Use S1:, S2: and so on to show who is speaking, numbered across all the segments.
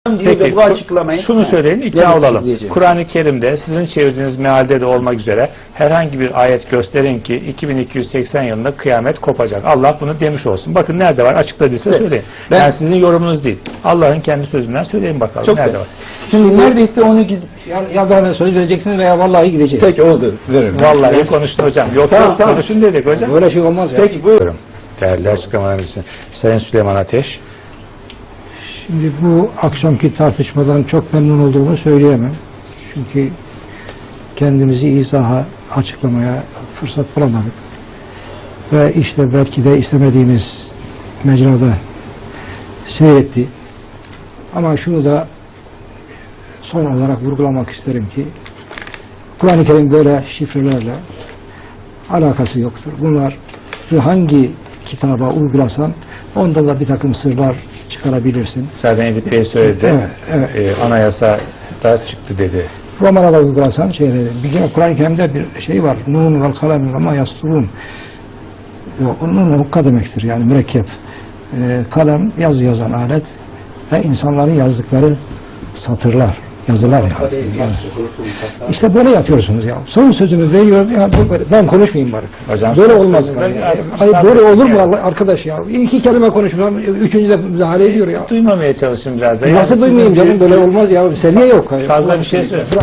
S1: Peki, bu açıklamayı
S2: şunu söyleyin, ikna olalım.
S1: diyeceğim.
S2: Kur'an-ı Kerim'de sizin çevirdiğiniz mealde de olmak üzere herhangi bir ayet gösterin ki 2280 yılında kıyamet kopacak. Allah bunu demiş olsun. Bakın nerede var? Açıkladıysa söyleyin. Yani sizin yorumunuz değil. Allah'ın kendi sözünden söyleyin bakalım.
S1: Çok
S2: nerede var?
S1: Şimdi neredeyse onu
S3: Ya bana söz vereceksiniz veya vallahi gideceğiz.
S1: Peki oldu. Veririm.
S2: Vallahi konuştu hocam. Yok
S1: Tamam.
S2: konuşun dedik hocam.
S3: Böyle şey olmaz ya.
S1: Peki buyurun.
S2: Değerli açıklamalarınız için. Sayın Süleyman Ateş.
S3: Şimdi bu akşamki tartışmadan çok memnun olduğumu söyleyemem. Çünkü kendimizi izaha, açıklamaya fırsat bulamadık. Ve işte belki de istemediğimiz mecrada seyretti. Ama şunu da son olarak vurgulamak isterim ki Kur'an-ı Kerim böyle şifrelerle alakası yoktur. Bunlar hangi kitaba uygulasan onda da bir takım sırlar çıkarabilirsin.
S2: Zaten Edip Bey söyledi.
S3: Evet.
S2: Anayasa da çıktı dedi.
S3: Romana da uygulasan şeyleri. Bir kere Kur'an-ı Kerim'de bir şey var. Nun vel kalem ama yasturun. Nun hukka demektir yani mürekkep. Kalem yazı yazan alet ve insanların yazdıkları satırlar, yazılar yani. İşte böyle yapıyorsunuz ya. Son sözümü veriyorum ya. Ben konuşmayayım bari.
S2: Hocam,
S3: böyle
S2: son
S3: olmaz.
S2: sözünde
S3: Hayır böyle olur mu arkadaş ya? İki kelime konuşmam, üçüncü de müdahale ediyor ya.
S2: Duymamaya çalışın biraz da.
S3: Nasıl duymayayım canım, böyle olmaz ya. Seviye yok.
S2: Fazla bir şey söyle.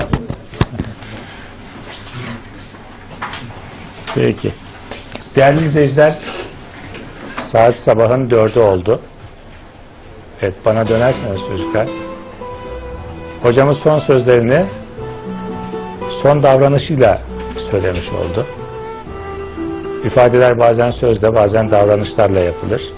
S2: Peki. Değerli izleyiciler, saat sabahın 4'ü oldu. Evet, bana dönerseniz çocuklar. Hocamız son sözlerini son davranışıyla söylemiş oldu. İfadeler bazen sözle, bazen davranışlarla yapılır.